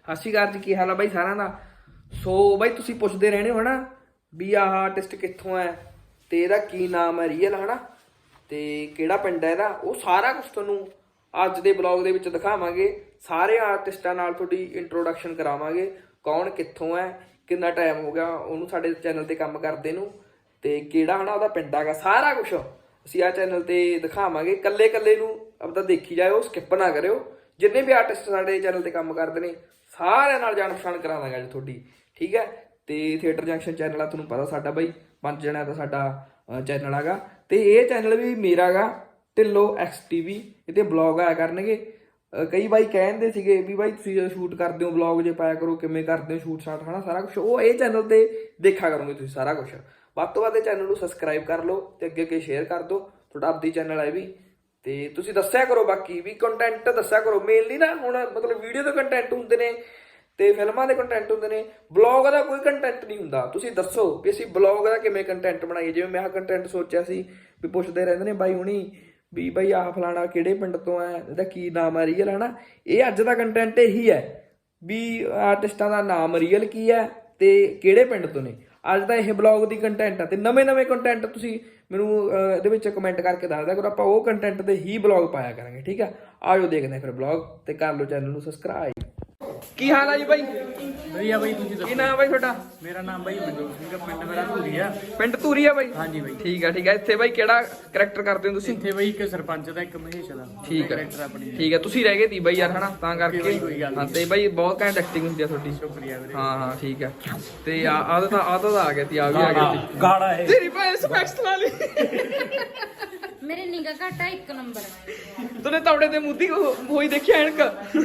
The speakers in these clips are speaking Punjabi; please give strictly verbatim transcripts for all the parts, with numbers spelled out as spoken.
ਸਤਿ ਸ਼੍ਰੀ ਅਕਾਲ ਜੀ, ਕੀ ਹਾਲ ਆ ਬਾਈ ਸਾਰਿਆਂ ਦਾ। ਸੋ ਬਾਈ ਤੁਸੀਂ ਪੁੱਛਦੇ ਰਹਿਣੇ ਹੋ ਨਾ ਵੀ ਆਹ ਆਰਟਿਸਟ ਕਿੱਥੋਂ ਹੈ ਤੇ ਇਹਦਾ ਕੀ ਨਾਮ ਹੈ ਰੀਅਲ, ਹਨਾ, ਤੇ ਕਿਹੜਾ ਪਿੰਡ ਹੈ ਇਹਦਾ। ਉਹ ਸਾਰਾ ਕੁਝ ਤੁਹਾਨੂੰ ਅੱਜ ਦੇ ਬਲੌਗ ਦੇ ਵਿੱਚ ਦਿਖਾਵਾਂਗੇ। ਸਾਰੇ ਆਰਟਿਸਟਾਂ ਨਾਲ ਤੁਹਾਡੀ ਇੰਟਰੋਡਕਸ਼ਨ ਕਰਾਵਾਂਗੇ, ਕੌਣ ਕਿੱਥੋਂ ਹੈ, ਕਿੰਨਾ ਟਾਈਮ ਹੋ ਗਿਆ ਉਹਨੂੰ ਸਾਡੇ ਚੈਨਲ ਤੇ ਕੰਮ ਕਰਦੇ ਨੂੰ, ਤੇ ਕਿਹੜਾ ਹਨਾ ਉਹਦਾ ਪਿੰਡ ਹੈਗਾ। ਸਾਰਾ ਕੁਛ ਅਸੀਂ ਆਹ ਚੈਨਲ ਤੇ ਦਿਖਾਵਾਂਗੇ। ਕੱਲੇ ਕੱਲੇ ਨੂੰ ਆਪਦਾ ਦੇਖੀ ਜਾਇਓ, ਸਕਿਪ ਨਾ ਕਰਿਓ। ਜਿੰਨੇ ਵੀ ਆਰਟਿਸਟ ਸਾਡੇ ਚੈਨਲ ਤੇ ਕੰਮ ਕਰਦੇ ਨੇ ਸਾਰਿਆਂ ਨਾਲ ਜਾਣ ਪਛਾਣ ਕਰਾ ਦਾਂਗੇ ਅੱਜ ਤੁਹਾਡੀ, ਠੀਕ ਹੈ। ਤੇ ਥੀਏਟਰ ਜੰਕਸ਼ਨ ਚੈਨਲ ਆ, ਤੁਹਾਨੂੰ ਪਤਾ ਸਾਡਾ ਬਾਈ ਪੰਜ ਜਣਿਆਂ ਦਾ ਸਾਡਾ ਚੈਨਲ ਹੈਗਾ, ਤੇ ਇਹ ਚੈਨਲ ਵੀ ਮੇਰਾ ਗਾ, ਢਿੱਲੋਂ ਐਕਸ ਟੀ ਵੀ। ਇਹਦੇ ਬਲੌਗ ਆਇਆ ਕਰਨਗੇ। ਕਈ ਬਾਈ ਕਹਿੰਦੇ ਸੀਗੇ ਵੀ ਬਾਈ ਤੁਸੀਂ ਸ਼ੂਟ ਕਰਦੇ ਹੋ ਬਲੌਗ ਜੇ ਪਾਇਆ ਕਰੋ, ਕਿਵੇਂ ਕਰਦੇ ਹੋ ਸ਼ੂਟ ਸ਼ਾਟ, ਹਨਾ ਸਾਰਾ ਕੁਛ ਉਹ ਇਹ ਚੈਨਲ ਤੇ ਦੇਖਿਆ ਕਰੋਗੇ ਤੁਸੀਂ ਸਾਰਾ ਕੁਛ। ਵੱਧ ਤੋਂ ਵੱਧ ਇਹ ਚੈਨਲ ਨੂੰ ਸਬਸਕ੍ਰਾਈਬ ਕਰ ਲਓ ਤੇ ਅੱਗੇ ਅੱਗੇ ਸ਼ੇਅਰ ਕਰ ਦਿਓ। ਤੁਹਾਡਾ ਆਪਦੀ ਚੈਨਲ ਹੈ ਵੀ, ਤੇ ਤੁਸੀਂ ਦੱਸਿਆ ਕਰੋ ਬਾਕੀ ਵੀ ਕੰਟੈਂਟ ਦੱਸਿਆ ਕਰੋ। ਮੇਨਲੀ ਨਾ ਹੁਣ ਮਤਲਬ ਵੀਡੀਓ ਦੇ ਕੰਟੈਂਟ ਹੁੰਦੇ ਨੇ ਤੇ ਫਿਲਮਾਂ ਦੇ ਕੰਟੈਂਟ ਹੁੰਦੇ ਨੇ, ਬਲੌਗ ਦਾ ਕੋਈ ਕੰਟੈਂਟ ਨਹੀਂ ਹੁੰਦਾ। ਤੁਸੀਂ ਦੱਸੋ ਵੀ ਅਸੀਂ ਬਲੌਗ ਦਾ ਕਿਵੇਂ ਕੰਟੈਂਟ ਬਣਾਈਏ। ਜਿਵੇਂ ਮੈਂ ਆਹ ਕੰਟੈਂਟ ਸੋਚਿਆ ਸੀ ਵੀ ਪੁੱਛਦੇ ਰਹਿੰਦੇ ਨੇ ਬਾਈ ਹੁਣੀ ਵੀ ਬਾਈ ਆਹ ਫਲਾਣਾ ਕਿਹੜੇ ਪਿੰਡ ਤੋਂ ਹੈ, ਇਹਦਾ ਕੀ ਨਾਮ ਹੈ ਰੀਅਲ, ਹਨਾ। ਇਹ ਅੱਜ ਦਾ ਕੰਟੈਂਟ ਇਹੀ ਹੈ ਵੀ ਆਰਟਿਸਟਾਂ ਦਾ ਨਾਮ ਰੀਅਲ ਕੀ ਹੈ ਤੇ ਕਿਹੜੇ ਪਿੰਡ ਤੋਂ ਨੇ। ਅੱਜ ਦਾ ਇਹ ਬਲੌਗ ਦੀ ਕੰਟੈਂਟ ਆ, ਤੇ ਨਵੇਂ ਨਵੇਂ ਕੰਟੈਂਟ ਤੁਸੀਂ ਮੈਨੂੰ ਇਹਦੇ ਵਿੱਚ ਕਮੈਂਟ ਕਰਕੇ ਦੱਸ ਦਿਆ ਕਰੋ। ਆਪਾਂ ਉਹ ਕੰਟੈਂਟ ਦੇ ਹੀ ਬਲੌਗ ਪਾਇਆ ਕਰਾਂਗੇ, ਠੀਕ ਆ। ਆਜੋ ਦੇਖਦੇ ਫਿਰ ਬਲੌਗ, ਤੇ ਕਰ ਲਓ ਚੈਨਲ ਨੂੰ ਸਬਸਕ੍ਰਾਈਬ। ਕੀ ਹਾਲ ਆ ਜੀ ਬਾਈ? ਵਧੀਆ ਬਾਈ, ਤੁਸੀਂ ਦੱਸੋ। ਕੀ ਨਾਮ ਬਾਈ ਤੁਹਾਡਾ? ਮੇਰਾ ਨਾਮ ਬਾਈ ਮਨਜੋਤ ਸਿੰਘ ਆ, ਪਿੰਡ ਮੇਰਾ ਧੂਰੀ ਆ। ਪਿੰਡ ਧੂਰੀ ਆ ਬਾਈ? ਹਾਂਜੀ ਬਾਈ। ਠੀਕ ਆ ਠੀਕ ਆ। ਇੱਥੇ ਬਾਈ ਕਿਹੜਾ ਕਰੈਕਟਰ ਕਰਦੇ ਹੋ ਤੁਸੀਂ? ਇੱਥੇ ਬਾਈ ਇੱਕ ਸਰਪੰਚ ਦਾ, ਇੱਕ ਮਹੇਸ਼ ਦਾ। ਠੀਕ ਆ ਕਰੈਕਟਰ ਆਪਣੀ। ਠੀਕ ਆ। ਤੁਸੀਂ ਰਹਿ ਗਏ ਤੀ ਬਾਈ ਯਾਰ, ਹਨਾ, ਤਾਂ ਕਰਕੇ। ਹਾਂ ਤੇ ਬਾਈ ਬਹੁਤ ਘੈਂਟ ਐਕਟਿੰਗ ਹੁੰਦੀ ਆ ਤੁਹਾਡੀ। ਸ਼ੁਕਰੀਆ ਵੀਰੇ। ਹਾਂ ਹਾਂ ਠੀਕ ਆ। ਤੇ ਆ ਆ ਤਾਂ ਆ ਤਾਂ ਆ ਗਿਆ ਤੀ, ਆ ਵੀ ਆ ਗਿਆ ਤੀ। ਗਾੜਾ ਹੈ ਤੇਰੀ ਭੈਣ ਸਪੈਕਸ ਲਾ ਲਈ। ਮੇਰੇ ਨਿਗਾ ਘਟਾ ਇੱਕ ਨੰਬਰ। ਤੂਨੇ ਤਵੜੇ ਤੇ ਮੁੱਦੀ ਹੋਈ ਦੇਖੀ ਐਨਕ?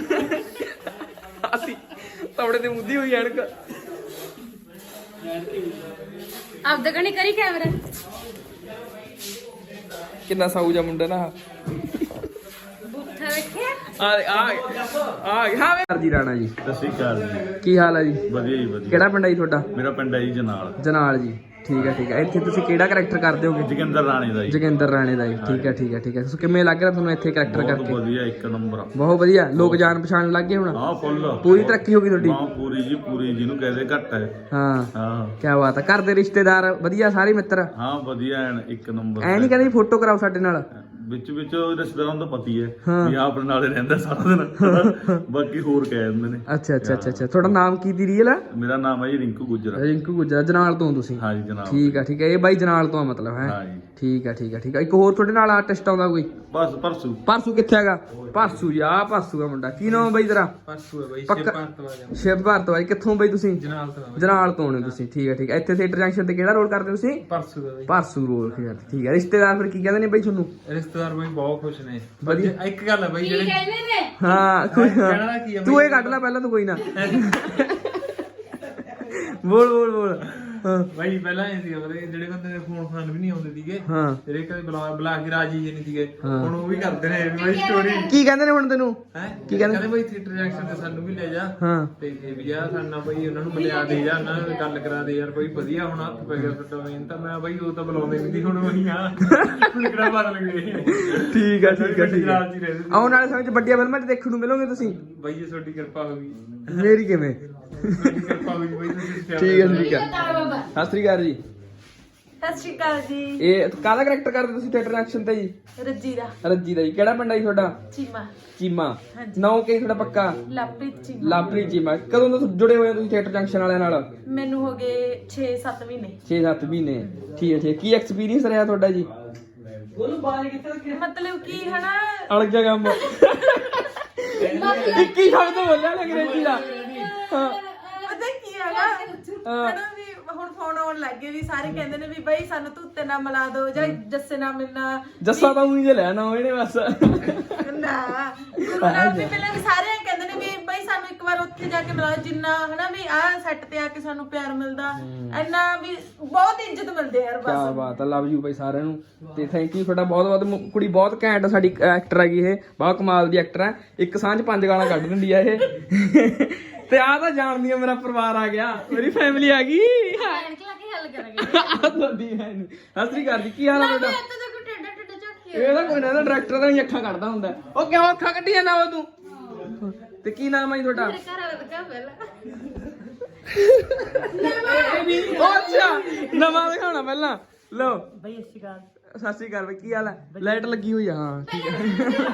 ਅਸੀਂ ਤਵੜੇ ਤੇ ਮੁੱਦੀ ਹੋਈ ਐਨਕ। ਆਪਦਾ ਕਣੀ ਕਰੀ ਕੈਮਰਾ। ਕਿੰਨਾ ਸਾਊ ਜਾ ਮੁੰਡਾ ਨਾ। ਬੁੱਥਾ ਵੇਖਿਆ? ਆ ਆ ਆ ਹਾਂ ਵੇ ਜੀ ਰਾਣਾ ਜੀ। ਸਤਿ ਸ਼੍ਰੀ ਅਕਾਲ ਜੀ। ਕੀ ਹਾਲ ਆ ਜੀ? ਵਧੀਆ ਜੀ ਵਧੀਆ। ਕਿਹੜਾ ਪਿੰਡ ਆ ਜੀ ਤੁਹਾਡਾ? ਮੇਰਾ ਪਿੰਡ ਹੈ ਜੀ ਜਨਾਲ। ਜਨਾਲ ਜੀ, ਠੀਕ ਹੈ ਠੀਕ ਹੈ। ਇੱਥੇ ਤੁਸੀਂ ਕਿਹੜਾ ਕਰੈਕਟਰ ਕਰਦੇ ਹੋਗੇ? ਜੋਗਿੰਦਰ ਰਾਣੇ ਦਾ ਜੀ। ਜੋਗਿੰਦਰ ਰਾਣੇ ਦਾ ਜੀ, ਠੀਕ ਹੈ ਠੀਕ ਹੈ ਠੀਕ ਹੈ। ਤੁਸੀਂ ਕਿਵੇਂ ਲੱਗ ਰਿਹਾ ਤੁਹਾਨੂੰ ਇੱਥੇ ਕਰੈਕਟਰ ਬਹੁਤ ਕਰਕੇ? ਵਧੀਆ, ਇੱਕ ਨੰਬਰ। ਬਹੁਤ ਵਧੀਆ। ਲੋਕ ਜਾਣ ਪਛਾਣ ਲੱਗ ਗਏ ਹੁਣ? ਹਾਂ ਫੁੱਲ। ਪੂਰੀ ਤਰੱਕੀ ਹੋ ਗਈ ਤੁਹਾਡੀ? ਹਾਂ ਪੂਰੀ ਜੀ ਪੂਰੀ, ਜਿਹਨੂੰ ਕਹਦੇ ਘੱਟ ਹੈ। ਹਾਂ ਹਾਂ ਕੀ ਬਾਤ ਹੈ। ਘਰ ਦੇ ਰਿਸ਼ਤੇਦਾਰ ਵਧੀਆ, ਸਾਰੇ ਮਿੱਤਰ? ਹਾਂ ਵਧੀਆ ਐਨ ਇੱਕ ਨੰਬਰ। ਐ ਨਹੀਂ ਕਹਿੰਦੇ ਫੋਟੋ ਕਰਾਓ ਸਾਡੇ ਨਾਲ? ਵਿੱਚ ਵਿੱਚ ਰਿਸ਼ਤੇਦਾਰਾਂ ਦਾ ਪਤੀ ਹੈ ਹਾਂ। ਵੀ ਆਪਣੇ ਨਾਲੇ ਰਹਿੰਦਾ ਸਾਰਾ ਦਿਨ। ਬਾਕੀ ਹੋਰ ਕਹਿ ਦਿੰਦੇ ਨੇ। ਅੱਛਾ ਅੱਛਾ ਅੱਛਾ ਅੱਛਾ। ਤੁਹਾਡਾ ਨਾਮ ਕੀ ਦੀ ਰੀਅਲ ਆ? ਮੇਰਾ ਨਾਮ ਹੈ ਜੀ ਰਿੰਕੂ ਗੁੱਜਰ। ਰਿੰਕੂ ਗੁੱਜਰ। ਜਨਾਲ ਤੋਂ ਤੁਸੀਂ? ਹਾਂ ਜੀ ਜਨਾਬ। ਠੀਕ ਆ ਠੀਕ ਆ। ਇਹ ਬਾਈ ਜਨਾਲ ਤੋਂ ਆ ਮਤਲਬ ਹੈ? ਹਾਂ ਜੀ। ਠੀਕ ਆ ਠੀਕ ਆ ਠੀਕ ਆ। ਇੱਕ ਹੋਰ ਤੁਹਾਡੇ ਨਾਲ ਆਰਟਿਸਟ ਆਉਂਦਾ ਕੋਈ? ਬਸ ਪਰਸੂ। ਪਰਸੂ ਕਿੱਥੇ ਹੈਗਾ? ਪਰਸੂ ਜੀ, ਆ ਪਰਸੂ ਦਾ ਮੁੰਡਾ। ਕੀ ਨਾਮ ਬਾਈ ਤੇਰਾ? ਪਰਸੂ ਹੈ ਬਾਈ। ਪੱਕਾ ਸ਼ਿਵ ਭਾਰਤਵਾਜ। ਕਿੱਥੋਂ ਬਾਈ ਤੁਸੀਂ? ਜਨਾਲ ਤੋਂ। ਜਨਾਲ ਤੋਂ ਨੇ ਤੁਸੀਂ, ਠੀਕ ਹੈ ਠੀਕ ਹੈ। ਇੱਥੇ ਥੀਏਟਰ ਜੰਕਸ਼ਨ ਤੇ ਕਿਹੜਾ ਰੋਲ ਕਰਦੇ ਤੁਸੀਂ? ਪਰਸੂ ਦਾ ਬਾਈ। ਪਰਸੂ ਰੋਲ ਕਰਦੇ, ਠੀਕ ਹੈ। ਰਿਸ਼ਤੇਦਾਰ ਫਿਰ ਕੀ ਕਹਿੰਦੇ ਨੇ ਬਾਈ ਤੁਹਾਨੂੰ? ਰਿਸ਼ਤੇਦਾਰ ਬਾਈ ਬਹੁਤ ਖੁਸ਼ ਨੇ। ਵਧੀਆ। ਇੱਕ ਗੱਲ ਹੈ ਬਾਈ, ਕੀ ਜਿਹੜੇ ਕਹਿੰਦੇ ਨੇ? ਹਾਂ ਕੋਈ ਕਹਿਣਾ ਦਾ ਕੀ ਆ ਤੂੰ ਇਹ ਕੱਢ ਲੈ ਪਹਿਲਾਂ, ਤੂੰ ਕੋਈ ਨਾ ਬੋਲ ਬੋਲ ਬੋਲ। ਹਾਂ ਬਾਈ ਪਹਿਲਾਂ ਇਹ ਸੀਗਾ ਵੀਰੇ, ਜਿਹੜੇ ਬੰਦੇ ਨੇ ਫੋਨ ਫਾਨ ਵੀ ਨਹੀਂ ਆਉਂਦੇ ਸੀਗੇ, ਹਾਂ ਜਿਹੜੇ ਕਦੇ ਬੁਲਾ ਬੁਲਾ ਕੇ ਰਾਜੀ ਜੀ ਨਹੀਂ ਸੀਗੇ, ਹਾਂ। ਹੁਣ ਉਹ ਵੀ ਕਰਦੇ ਨੇ ਬਾਈ ਸਟੋਰੀ। ਕੀ ਕਹਿੰਦੇ ਨੇ ਹੁਣ ਤੈਨੂੰ? ਹੈ ਕੀ ਕਹਿੰਦੇ? ਕਹਿੰਦੇ ਬਾਈ ਥੀਏਟਰ ਜੰਕਸ਼ਨ ਤੇ ਸਾਨੂੰ ਵੀ ਲੈ ਜਾ, ਹਾਂ ਤੇ ਇਹ ਵੀ ਆ ਸਾਡਾ ਬਾਈ ਉਹਨਾਂ ਨੂੰ ਮਿਲਿਆ ਦੇ ਜਾ, ਉਹਨਾਂ ਨਾਲ ਗੱਲ ਕਰਾ ਦੇ ਯਾਰ ਬਾਈ ਵਧੀਆ ਹੁਣ ਹੱਥ ਪੈ ਗਿਆ ਤੁਹਾਡਾ ਮੇਨ ਤਾਂ। ਮੈਂ ਬਾਈ ਉਹ ਤਾਂ ਬੁਲਾਉਂਦੇ ਵੀ ਨਹੀਂ, ਹੁਣ ਉਹੀ ਆ ਕਿਹੜਾ ਬਦਲ ਗਏ। ਠੀਕ ਆ ਠੀਕ ਆ ਠੀਕ ਆ। ਰਾਜੀ ਰਹੇ ਆਉਣ ਵਾਲੇ ਸਮੇਂ 'ਚ ਵੱਡੀਆਂ ਫਿਲਮਾਂ 'ਚ ਦੇਖਣ ਨੂੰ ਮਿਲੋਗੇ ਤੁਸੀਂ? ਬਾਈ ਜੀ ਤੁਹਾਡੀ ਕਿਰਪਾ ਹੋ ਗਈ, ਮੇਰੀ ਕਿਵੇਂ? ਤੁਹਾਡੀ ਕਿਰਪਾ ਹੋ ਗਈ ਬਾਈ, ਤੁਸੀਂ ਠੀਕ ਹੈ ਠੀਕ ਹੈ। ਬਾਬਾ ਸਤਿ ਸ੍ਰੀ ਅਕਾਲ ਜੀ। ਸਤਿ ਸ਼੍ਰੀ ਅਕਾਲ ਜੀ। ਇਹ ਕਾਹਦਾ ਕਰੈਕਟਰ ਕਰਦੇ ਤੁਸੀਂ ਥੀਏਟਰ ਐਕਸ਼ਨ ਤੇ ਜੀ? ਰੱਜੀ ਦਾ। ਰੱਜੀ ਦਾ ਜੀ। ਕਿਹੜਾ ਪਿੰਡ ਆ ਜੀ ਤੁਹਾਡਾ? ਚੀਮਾ। ਚੀਮਾ। ਹਾਂਜੀ। ਨਾਮ ਕੀ ਤੁਹਾਡਾ ਪੱਕਾ? ਲਵਪ੍ਰੀਤ ਚੀਮਾ। ਲਾਪਰੀ ਚੀਮਾ। ਕਦੋਂ ਤੋਂ ਜੁੜੇ ਹੋਏ ਹੋ ਤੁਸੀਂ ਥੀਏਟਰ ਜੰਕਸ਼ਨ ਵਾਲਿਆਂ ਨਾਲ? ਮੈਨੂੰ ਹੋ ਗਏ ਛੇ ਸੱਤ ਮਹੀਨੇ। ਛੇ ਸੱਤ ਮਹੀਨੇ। ਠੀਕ ਹੈ ਠੀਕ ਹੈ। ਕੀ ਐਕਸਪੀਰੀਅੰਸ ਰਿਹਾ ਤੁਹਾਡਾ ਜੀ? ਮਤਲਬ ਕੀ ਹਨਾ, ਅਲਗ ਜਾ ਕੰਮ। ਇੱਕ ਹੀ ਸ਼ਬਦ ਬੋਲਿਆ ਨਾ ਅੰਗਰੇਜ਼ੀ ਦਾ। ਹਾਂ ਪਤਾ ਕੀ ਹੈਗਾ ਹਨਾ ਵੀ ਹੁਣ ਫੋਨ ਆਉਣ ਲੱਗ ਗਏ ਵੀ ਸਾਰੇ ਕਹਿੰਦੇ ਨੇ ਵੀ ਬਈ ਸਾਨੂੰ ਧੁੱਤੇ ਨਾਲ ਮਿਲਾ ਦੋ ਜਾਂ ਜੱਸੇ ਨਾਲ ਮਿਲਣਾ। ਜੱਸਾ ਤਾਂ ਉਹੀ ਜੇ ਲੈਣਾ ਇਹਨੇ ਬਸ। ਨਾ ਗੁਰਨਾਮ ਵੀ ਪਹਿਲਾਂ ਵੀ ਸਾਰੇ ਕਹਿੰਦੇ ਨੇ ਵੀ ਬਈ ਸਾਨੂੰ ਇੱਕ ਵਾਰ ਉੱਥੇ ਜਾ ਕੇ ਮਿਲਾਓ, ਜਿੰਨਾ ਹਨਾ ਵੀ ਆਹ ਸੈੱਟ ਤੇ ਆ ਕੇ ਸਾਨੂੰ ਪਿਆਰ ਮਿਲਦਾ, ਇੰਨਾ ਵੀ ਬਹੁਤ ਇੱਜ਼ਤ ਮਿਲਦੀ ਯਾਰ ਕੀ ਬਸ। ਬਾਤ ਆ। ਲਵ ਯੂ ਬਾਈ ਸਾਰਿਆਂ ਨੂੰ, ਤੇ ਥੈਂਕ ਯੂ ਤੁਹਾਡਾ ਬਹੁਤ ਬਹੁਤ। ਮੁ- ਕੁੜੀ ਬਹੁਤ ਘੈਂਟ ਆ ਸਾਡੀ, ਐਕਟਰ ਹੈਗੀ ਇਹ, ਬਹੁਤ ਕਮਾਲ ਦੀ ਐਕਟਰ ਹੈ। ਇੱਕ ਸਾਂਝ ਪੰਜ ਗਾਲਾਂ ਕੱਢ ਦਿੰਦੀ ਆ ਇਹ। ਤੇ ਆ ਤਾਂ ਜਾਣਦੀ ਆ, ਮੇਰਾ ਪਰਿਵਾਰ ਆ ਗਿਆ, ਮੇਰੀ ਫੈਮਿਲੀ ਆ ਗਈ। ਐਨਕ ਲਾ ਕੇ ਹੱਲ ਕਰਾਂਗੇ। ਸਤਿ ਸ੍ਰੀ ਅਕਾਲ ਜੀ। ਕੀ ਹਾਲ ਆ ਤੁਹਾਡਾ? ਇੱਥੇ ਤਾਂ ਕੋਈ ਟੇਡਾ ਟੇਡਾ ਝਾਕੀ ਇਹ ਤਾਂ ਕੋਈ ਨਾ, ਡਾਇਰੈਕਟਰ ਦਾ ਹੀ ਅੱਖਾਂ ਕੱਢਦਾ ਹੁੰਦਾ। ਉਹ ਕਿਉਂ ਅੱਖਾਂ ਕੱਢੀਆਂ ਨਾ ਉਹ ਤੂੰ? ਤੇ ਕੀ ਨਾਮ ਹੈ ਜੀ ਤੁਹਾਡਾ? ਮੇਰੇ ਘਰ ਵਾਲਾ ਦਿਖਾ ਪਹਿਲਾਂ। ਉਹ ਅੱਛਾ ਨਵਾਂ ਦਿਖਾਉਣਾ ਪਹਿਲਾਂ। ਲਓ ਬਈ ਸਤਿ ਸ਼੍ਰੀ ਅਕਾਲ। ਸਤਿ ਸ਼੍ਰੀ ਅਕਾਲ ਬਈ, ਕੀ ਹਾਲ ਹੈ? ਲਾਈਟ ਲੱਗੀ ਹੋਈ ਆ, ਹਾਂ ਠੀਕ ਹੈ।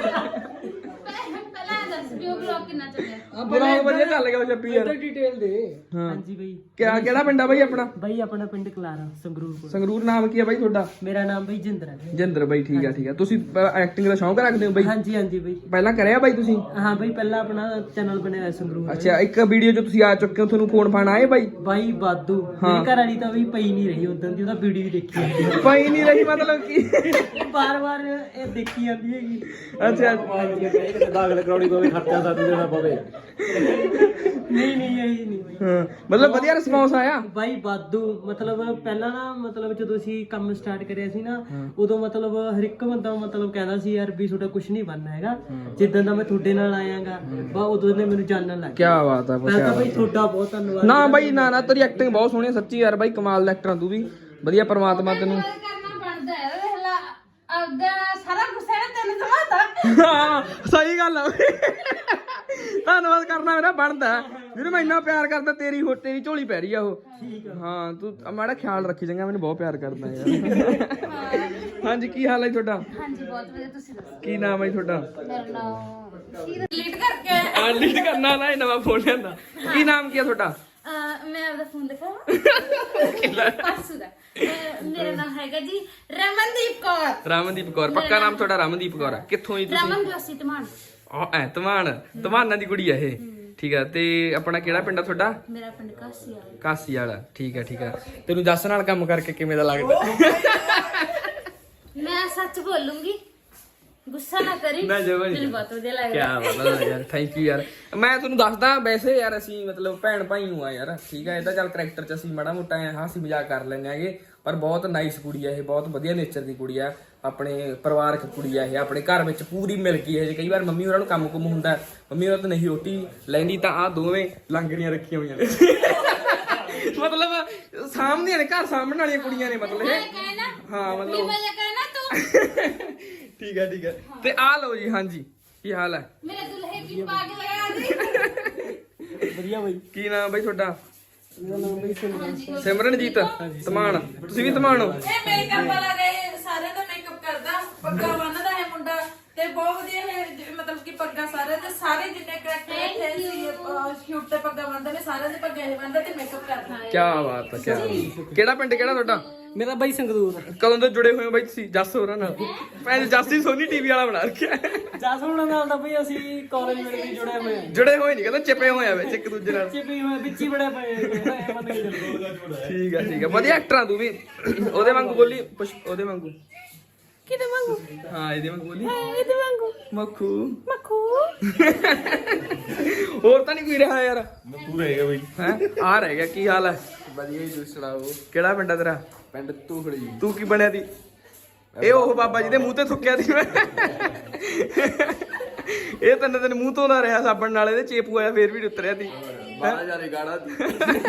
ਪਹਿਲਾਂ ਇਹ ਦੱਸ ਵੀ ਉਹ ਵਲੌਗ ਕਿੰਨਾ ਚੱਲਿਆ। ਬਲੌਗ ਵਧੀਆ ਚੱਲ ਗਿਆ ਛੱਪੀ ਯਾਰ। ਡਿਟੇਲ ਦੇ। ਹਾਂ ਹਾਂਜੀ ਬਈ। ਕਿਆ ਕਿਹੜਾ ਪਿੰਡ ਆ ਬਾਈ ਆਪਣਾ? ਬਈ ਆਪਣਾ ਪਿੰਡ ਕਲਾਰਾ ਸੰਗਰੂਰ ਕੋਲ। ਸੰਗਰੂਰ। ਨਾਮ ਕੀ ਹੈ ਬਾਈ ਤੁਹਾਡਾ? ਮੇਰਾ ਨਾਮ ਬਈ ਜਿੰਦਰ ਹੈ। ਜਿੰਦਰ ਬਾਈ, ਠੀਕ ਆ ਠੀਕ ਆ। ਤੁਸੀਂ ਐਕਟਿੰਗ ਦਾ ਸ਼ੌਂਕ ਰੱਖਦੇ ਹੋ ਬਾਈ? ਹਾਂਜੀ ਹਾਂਜੀ ਬਈ। ਪਹਿਲਾਂ ਕਰਿਆ ਬਾਈ ਤੁਸੀਂ? ਹਾਂ ਬਈ ਪਹਿਲਾਂ ਆਪਣਾ ਚੈਨਲ ਬਣਿਆ ਹੋਇਆ ਸੰਗਰੂਰ। ਅੱਛਾ, ਇੱਕ ਵੀਡੀਓ 'ਚ ਤੁਸੀਂ ਆ ਚੁੱਕੇ ਹੋ, ਤੁਹਾਨੂੰ ਫੋਨ ਫਾਨ ਆਏ ਬਾਈ? ਬਾਈ ਬਾਦੂ ਮੇਰੀ ਘਰ ਵਾਲੀ ਤਾਂ ਬਈ ਪਈ ਨਹੀਂ ਰਹੀ ਉਦੋਂ ਦੀ, ਉਹਦਾ ਵੀਡੀਓ ਹੀ ਦੇਖੀ ਜਾਂਦੀ ਪਈ ਨਹੀਂ ਰਹੀ ਮਤਲਬ ਕੀ? ਬਾਰ ਬਾਰ ਇਹ ਦੇਖੀ ਜਾਂਦੀ ਹੈਗੀ। ਅੱਛਾ ਦਾਖਲ ਕਰਾਉਣੀ ਪਵੇ, ਖਰਚਾ ਸਾਥ ਦੇਣਾ ਪਵੇ। ਨਹੀਂ ਨਹੀਂ ਇਹੀ ਨਹੀਂ ਬਈ। ਹਾਂ, ਮਤਲਬ ਵਧੀਆ ਰਿਸਪੌਂਸ ਆਇਆ? ਬਾਈ ਬਾਦੂ ਮਤਲਬ ਪਹਿਲਾਂ ਨਾ ਮਤਲਬ ਜਦੋਂ ਅਸੀਂ ਕੰਮ ਸਟਾਰਟ ਕਰਿਆ ਸੀ ਨਾ, ਉਦੋਂ ਮਤਲਬ ਹਰ ਇੱਕ ਬੰਦਾ ਮਤਲਬ ਕਹਿੰਦਾ ਸੀ ਯਾਰ ਵੀ ਤੁਹਾਡਾ ਕੁਝ ਨਹੀਂ ਬਣਨਾ ਹੈਗਾ। ਜਿੱਦਾਂ ਦਾ ਮੈਂ ਤੁਹਾਡੇ ਨਾਲ ਆਇਆਗਾ ਬਾ ਉਦੋਂ ਨੇ ਮੈਨੂੰ ਜਾਣਨ ਲੱਗ ਕੀ ਬਾਤ ਆ। ਮੈਂ ਤਾਂ ਬਈ ਤੁਹਾਡਾ ਬਹੁਤ ਧੰਨਵਾਦ। ਨਾ ਬਾਈ ਨਾ ਨਾ, ਤੇਰੀ ਐਕਟਿੰਗ ਬਹੁਤ ਸੋਹਣੀ ਹੈ ਸੱਚੀ ਯਾਰ ਬਾਈ, ਕਮਾਲ ਦਾ ਐਕਟਰ ਤੂੰ ਵੀ। ਵਧੀਆ ਪਰਮਾਤਮਾ ਤੈਨੂੰ ਕਰਨਾ ਬਣਦਾ ਹੈ। ਵੇਖ ਲਾ ਆਪਦਾ ਸਾਰਾ ਗੁੱਸਾ ਨਾ ਤੈਨੂੰ ਸਮਾਤਾ। ਹਾਂ ਸਹੀ ਗੱਲ ਆ। ਧੰਨਵਾਦ ਕਰਨਾ ਮੇਰਾ ਬਣਦਾ ਵੀਰ, ਮੈਂ ਇੰਨਾ ਪਿਆਰ ਕਰਦਾ, ਤੇਰੀ ਹੋ ਤੇਰੀ ਝੋਲੀ ਪੈ ਰਹੀ ਆ ਉਹ। ਹਾਂ ਤੂੰ ਮਾੜਾ ਖਿਆਲ ਰੱਖੀ ਚੰਗਾ, ਮੈਨੂੰ ਬਹੁਤ ਪਿਆਰ ਕਰਦਾ ਯਾਰ। ਹਾਂਜੀ ਕੀ ਹਾਲ ਹੈ ਤੁਹਾਡਾ? ਹਾਂਜੀ ਬਹੁਤ ਵਧੀਆ, ਤੁਸੀਂ ਦੱਸੋ। ਕੀ ਨਾਮ ਹੈ ਤੁਹਾਡਾ? ਮੇਰਾ ਨਾਮ ਕੀ ਡਿਲੀਟ ਕਰਕੇ ਹਾਂ ਲੀਡ ਕਰਨਾ ਨਾ, ਇਹ ਨਵਾਂ ਫੋਨ ਲਿਆਂਦਾ। ਕੀ ਨਾਮ ਕੀ ਹੈ ਤੁਹਾਡਾ? ਅਹ ਮੈਂ ਆਪਦਾ ਫੋਨ ਦਿਖਾਵਾਂ? ਪਾਸੂ ਦਾ। ਅਹ ਮੇਰਾ ਨਾਮ ਹੈਗਾ ਜੀ ਰਮਨਦੀਪ ਕੌਰ। ਰਮਨਦੀਪ ਕੌਰ। ਪੱਕਾ ਨਾਮ ਤੁਹਾਡਾ ਰਮਨਦੀਪ ਕੌਰ ਹੈ? ਕਿੱਥੋਂ ਜੀ ਤੁਸੀਂ? ਰਮਨ ਜੋਸੀ ਧਮਾਨ। ਆ ਐ ਧਮਾਨ, ਧਮਾਨਾਂ ਦੀ ਕੁੜੀ ਆ ਇਹ, ਠੀਕ ਆ। ਤੇ ਆਪਣਾ ਕਿਹੜਾ ਪਿੰਡ ਆ ਤੁਹਾਡਾ? ਮੇਰਾ ਪਿੰਡ ਕਾਸੀ ਆ। ਕਾਸੀ ਵਾਲਾ, ਠੀਕ ਆ ਠੀਕ ਆ। ਤੈਨੂੰ ਜੱਸ ਨਾਲ ਕੰਮ ਕਰਕੇ ਕਿਵੇਂ ਦਾ ਲੱਗਦਾ? ਮੈਂ ਸੱਚ ਬੋਲੂੰਗੀ, ਗੁੱਸਾ ਨਾ ਕਰੀ। ਨਾ ਜਵਾਨੀ। ਮੈਨੂੰ ਬਹੁਤ ਵਧੀਆ ਲੱਗਦਾ। ਕਿਆ ਬਾਤ ਹੈ ਯਾਰ, ਥੈਂਕ ਯੂ ਯਾਰ। ਮੈਂ ਤੁਹਾਨੂੰ ਦੱਸਦਾ ਵੈਸੇ ਯਾਰ, ਅਸੀਂ ਮਤਲਬ ਭੈਣ ਭਾਈ ਨੂੰ ਆ ਯਾਰ, ਠੀਕ ਆ। ਇਹਦਾ ਚੱਲ ਕਰੈਕਟਰ ਚ ਅਸੀਂ ਮਾੜਾ ਮੋਟਾ ਹਾਸੀ ਮਜ਼ਾਕ ਕਰ ਲੈਂਦੇ ਆਗੇ, ਪਰ ਬਹੁਤ ਨਾਈਸ ਕੁੜੀ ਆ ਇਹ, ਬਹੁਤ ਵਧੀਆ ਨੇਚਰ ਦੀ ਕੁੜੀ ਆ, ਆਪਣੇ ਪਰਿਵਾਰਕ ਕੁੜੀ ਆ ਇਹ, ਆਪਣੇ ਘਰ ਵਿੱਚ ਪੂਰੀ ਮਿਲ ਗਈ ਇਹ। ਕਈ ਵਾਰ ਮੰਮੀ ਉਹਨਾਂ ਨੂੰ ਕੰਮ ਕੁਮ ਹੁੰਦਾ, ਮੰਮੀ ਉਹਨਾਂ ਤੋਂ ਨਹੀਂ ਰੋਟੀ ਲੈਂਦੀ, ਤਾਂ ਆ ਦੋਵੇਂ ਲੰਗੜੀਆਂ ਰੱਖੀਆਂ ਹੋਈਆਂ ਨੇ। ਮਤਲਬ ਸਾਹਮਣੇ ਨੇ, ਘਰ ਸਾਹਮਣੇ ਵਾਲੀਆਂ ਕੁੜੀਆਂ ਨੇ ਮਤਲਬ ਇਹ। ਹਾਂ ਮਤਲਬ ਮੈਂ ਕਹਿਣਾ ਤੂੰ ਠੀਕ ਹੈ ਠੀਕ ਹੈ। ਤੇ ਆ ਲਓ ਜੀ। ਹਾਂਜੀ ਕੀ ਹਾਲ ਹੈ? ਮੇਰੇ ਦੁਲਹੇ ਕੀ ਪਾ ਕੇ ਲਗਾ ਦੇ। ਵਧੀਆ ਬਈ। ਕੀ ਨਾਮ ਬਈ ਤੁਹਾਡਾ? ਮੇਰਾ ਨਾਮ ਬਈ ਸਿਮਰਨ। ਸਿਮਰਨਜੀਤ ਧਮਾਨ। ਤੁਸੀਂ ਵੀ ਧਮਾਨ ਹੋ? ਇਹ ਮੇਕਅਪ ਵਾਲਾ ਗਏ, ਸਾਰਿਆਂ ਦਾ ਮੇਕਅਪ ਕਰਦਾ, ਪੱਗਾ ਬੰਨਦਾ ਹੈ ਮੁੰਡਾ, ਤੇ ਬਹੁਤ ਵਧੀਆ ਇਹ ਮਤਲਬ ਕਿ ਪੱਗਾ ਸਾਰੇ ਤੇ ਸਾਰੇ ਜਿੰਨੇ ਕਰੈਕਟਰ ਇੱਥੇ ਸੀ ਸ਼ੂਟ ਤੇ ਪੱਗਾ ਬੰਨਦੇ ਨੇ, ਸਾਰਿਆਂ ਦੇ ਪੱਗੇ ਇਹ ਬੰਨਦਾ ਤੇ ਮੇਕਅਪ ਕਰਦਾ। ਕੀ ਬਾਤ ਹੈ, ਕੀ ਕਿਹੜਾ ਪਿੰਡ ਕਿਹੜਾ ਤੁਹਾਡਾ? ਮੇਰਾ ਬਾਈ ਸੰਗਰੂਰ। ਕਦੋਂ ਤੋਂ ਜੁੜੇ ਹੋਏ ਹੋ ਬਾਈ ਤੁਸੀਂ ਜੱਸ ਹੋਰਾਂ ਨਾਲ? ਮੈਂ ਜੱਸ ਹੀ ਸੋਨੀ ਟੀਵੀ ਵਾਲਾ ਬਣਾ ਰੱਖਿਆ। ਜਸ ਹੁਣਾਂ ਨਾਲ ਤਾਂ ਬਈ ਅਸੀਂ ਕਾਲਜ ਵੇਲੇ ਵੀ ਜੁੜੇ ਹੋਏ ਆ। ਜੁੜੇ ਹੋਏ ਨਹੀਂ, ਕਹਿੰਦਾ ਚਿਪੇ ਹੋਏ ਆ ਵਿੱਚ ਇੱਕ ਦੂਜੇ ਨਾਲ। ਚਿਪੀ ਹੋਏ ਵਿੱਚ ਹੀ ਬੜੇ ਪਏ ਹੈਗੇ, ਮੰਨ ਕੇ ਚੱਲੋ। ਠੀਕ ਆ ਠੀਕ ਆ, ਵਧੀਆ ਐਕਟਰ ਆ ਤੂੰ ਵੀ। ਉਹਦੇ ਵਾਂਗੂ ਬੋਲੀ, ਪੁਸ਼- ਉਹਦੇ ਵਾਂਗੂ। ਕਿਤੇ ਵਾਂਗੂ? ਹਾਂ ਇਹਦੇ ਵਾਂਗੂ ਬੋਲੀ। ਇਹਦੇ ਵਾਂਗੂ ਮੱਖੂ ਮੱਖੂ। ਹੋਰ ਤਾਂ ਨਹੀਂ ਕੋਈ ਰਿਹਾ ਯਾਰ? ਤੂੰ ਰਹੇਗਾ ਬਈ। ਹੈ ਆ ਰਹਿ ਗਿਆ। ਕੀ ਹਾਲ ਹੈ? ਵਧੀਆ ਜੀ, ਤੁਸੀਂ ਸੁਣਾਓ? ਕਿਹੜਾ ਪਿੰਡ ਆ ਤੇਰਾ? ਪਿੰਡ ਤੂਖੜੀ। ਤੂੰ ਕੀ ਬਣਿਆ ਦੀ? ਇਹ ਉਹ ਬਾਬਾ ਜੀ ਦੇ ਮੂੰਹ ਤੇ ਥੁੱਕਿਆ ਸੀ ਮੈਂ। ਇਹ ਤੰਨੇ ਤੈਨੂੰ ਮੂੰਹ ਧੋਦਾ ਰਿਹਾ ਸਾਬਣ ਨਾਲ, ਇਹਦੇ ਚੇਪੂ ਆਇਆ ਫੇਰ ਵੀ ਨੀ ਉਤਰਿਆ ਸੀ। ਬਾਹਰ ਜਾ ਰਹੀ ਗਾੜਾ ਦੀ।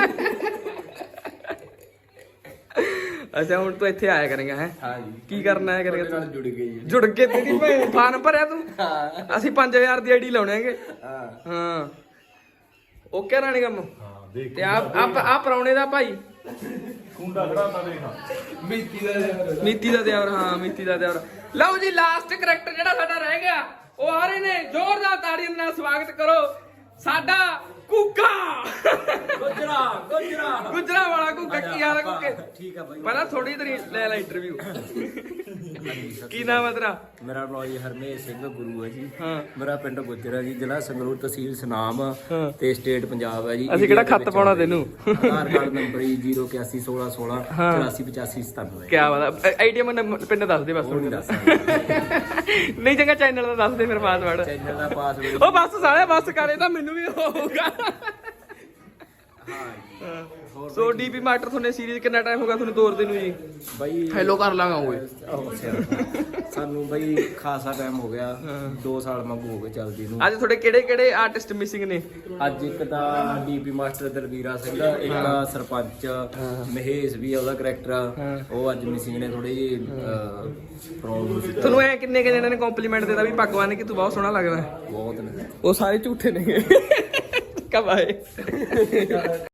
ਅੱਛਾ ਹੁਣ ਤੂੰ ਇੱਥੇ ਆਇਆ ਕਰੇਗਾ ਹੈ? ਹਾਂ ਜੀ। ਕੀ ਕਰਨਾ ਹੈ ਕਰੇਗਾ ਨਾਲ ਤੂੰ? ਜੁੜ ਗਈ ਜੀ। ਜੁੜ ਕੇ ਤੇਰੀ ਭੈਣ ਫਾਰਮ ਭਰਿਆ ਤੂੰ? ਹਾਂ ਅਸੀਂ ਪੰਜ ਹਜ਼ਾਰ ਦੀ ਆਈਡੀ ਲਾਉਣੇ ਹੈਗੇ। ਹਾਂ ਹਾਂ ਓਕੇ ਰਾਣੀ ਕੰਮ। ਹਾਂ ਦੇਖ ਤੇ ਆ ਆ ਪਰੌਣੇ ਦਾ ਭਾਈ ਕੁੰਡਾ ਖੜਾਤਾ ਦੇਖ। ਮਿੱਤੀ ਦਾ ਨੀਤੀ ਦਾ ਦਿਆਵਰ। ਹਾਂ ਨੀਤੀ ਦਾ ਦਿਆਵਰ। ਲਓ ਜੀ ਲਾਸਟ ਕਰੈਕਟਰ ਜਿਹੜਾ ਸਾਡਾ ਰਹਿ ਗਿਆ, ਉਹ ਆ ਰਹੇ ਨੇ। ਜ਼ੋਰਦਾਰ ਤਾੜੀਆਂ ਦੇ ਨਾਲ ਸਵਾਗਤ ਕਰੋ ਸਾਡਾ ਕੁੱਕਾ। ਗੁਜਰਾ ਗੁਜਰਾ ਗੁਜਰਾ ਵਾਲਾ ਕੁੱਕਾ। ਕੀ ਹਾਲ ਹੈ ਕੁੱਕੇ? ਠੀਕ ਆ ਬਾਈ। ਪਹਿਲਾਂ ਥੋੜੀ ਦੇਰ ਲੈ ਲੈ ਇੰਟਰਵਿਊ। ਕੀ ਨਾਮ ਹੈ ਤੇਰਾ? ਮੇਰਾ ਨਾਮ ਜੀ ਹਰਮੇਸ਼ ਸਿੰਘ ਗੁਰੂ ਹੈ ਜੀ। ਹਾਂ ਮੇਰਾ ਪਿੰਡ ਗੁੱਜਰ ਜੀ, ਜ਼ਿਲ੍ਹਾ ਸੰਗਰੂਰ, ਤਹਿਸੀਲ ਸੁਨਾਮ ਹਾਂ। ਤੇ ਸਟੇਟ ਪੰਜਾਬ ਹੈ ਜੀ। ਅਸੀਂ ਕਿਹੜਾ ਖੱਤ ਪਾਉਣਾ ਤੈਨੂੰ? ਆਧਾਰ ਕਾਰਡ ਨੰਬਰ ਜੀ ਜ਼ੀਰੋ ਇਕਾਸੀ ਸੋਲਾਂ ਸੋਲਾਂ ਚੁਰਾਸੀ ਪਚਾਸੀ ਸਤਾਨਵੇਂ। ਕੀ ਬਾਤ ਹੈ। ਆਈਡੀਐਮ ਪਿੰਡ ਦੱਸ ਦੇ ਬਸ। ਉਹ ਨਹੀਂ ਦੱਸ ਨਹੀਂ ਚੰਗਾ ਚੈਨਲ ਦਾ ਦੱਸ ਦੇ ਫਿਰ ਪਾਸਵਰਡ। ਚੈਨਲ ਦਾ ਪਾਸਵਰਡ ਉਹ ਬਸ ਸਾਲਿਆ ਬਸ ਕਰੇ ਤਾਂ ਮੈਨੂੰ ਵੀ ਹੋਊਗਾ। ਸੋ ਡੀਪੀ ਮਾਸਟਰ ਤੁਹਾਨੂੰ ਸੀਰੀਜ਼ ਕਿੰਨਾ ਟਾਈਮ ਹੋ ਗਿਆ ਤੁਹਾਨੂੰ ਤੋਰਦੇ ਨੂੰ ਜੀ? ਬਾਈ ਹੈਲੋ ਕਰ ਲਾਂਗਾ ਓਏ। ਉਹ ਸਿਰ। ਸਾਨੂੰ ਬਾਈ ਖਾਸਾ ਟਾਈਮ ਹੋ ਗਿਆ ਦੋ ਸਾਲ ਵਾਂਗੂ ਹੋ ਗਏ ਚੱਲਦੀ ਨੂੰ। ਅੱਜ ਤੁਹਾਡੇ ਕਿਹੜੇ ਕਿਹੜੇ ਆਰਟਿਸਟ ਮਿਸਿੰਗ ਨੇ? ਅੱਜ ਇੱਕ ਤਾਂ ਡੀਪੀ ਮਾਸਟਰ ਦਲਵੀਰਾ ਸਿੰਘ, ਇੱਕ ਤਾਂ ਸਰਪੰਚ ਮਹੇਸ਼ ਵੀ ਆ, ਉਹਦਾ ਕਰੈਕਟਰ ਉਹ ਅੱਜ ਮਿਸਿੰਗ ਨੇ ਥੋੜੀ ਜਿਹੀ ਪ੍ਰੋਬਲਮ ਸੀ। ਤੁਹਾਨੂੰ ਐ ਕਿੰਨੇ ਕਿ ਜਣਿਆਂ ਨੇ ਕੰਪਲੀਮੈਂਟ ਦਿੱਤਾ ਵੀ ਭਗਵਾਨ ਕਿ ਤੂੰ ਬਹੁਤ ਸੋਹਣਾ ਲੱਗਦਾ? ਬਹੁਤ ਨੇ। ਉਹ ਸਾਰੇ ਝੂਠੇ ਨੇ। ਕਬਾਏ